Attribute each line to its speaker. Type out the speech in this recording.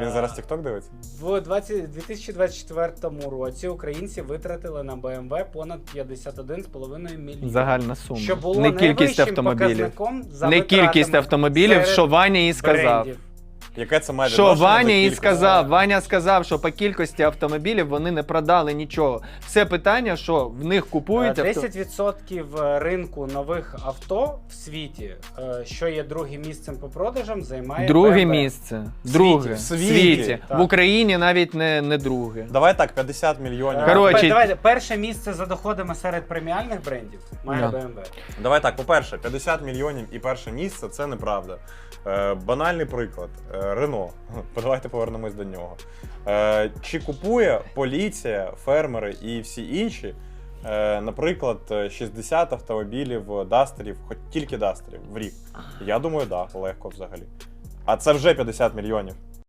Speaker 1: Він зараз TikTok дивиться?
Speaker 2: В 2024 році українці витратили на BMW понад 51,5 мільйонів.
Speaker 3: Загальна сума.
Speaker 2: Що було
Speaker 3: Не кількість
Speaker 2: найвищим
Speaker 3: автомобілів.
Speaker 2: показником за
Speaker 3: Не кількість
Speaker 2: витратами
Speaker 3: автомобілів,
Speaker 2: серед
Speaker 3: що Ваня і сказав.
Speaker 2: брендів.
Speaker 1: Яке це має
Speaker 3: Що
Speaker 1: відношення до
Speaker 3: Ваня і
Speaker 1: кількості?
Speaker 3: сказав. Ваня сказав, що по кількості автомобілів вони не продали нічого. Все питання, що в них купують
Speaker 2: 10% ринку нових авто в світі, що є другим місцем по продажам, займає
Speaker 3: Друге
Speaker 2: BMW.
Speaker 3: місце. Друге.
Speaker 1: В світі.
Speaker 2: Так.
Speaker 3: В Україні навіть не друге.
Speaker 1: Давай так, 50 мільйонів.
Speaker 3: Коротше,
Speaker 2: Давайте, перше місце за доходами серед преміальних брендів має
Speaker 3: Да.
Speaker 2: BMW.
Speaker 1: Давай так, по-перше, 50 мільйонів і перше місце – це неправда. Банальний приклад. Рено. Давайте повернемось до нього. Чи купує поліція, фермери і всі інші, наприклад, 60 автомобілів дастерів, хоч тільки дастерів в рік? Я думаю, так, да, легко взагалі. А це вже 50 мільйонів.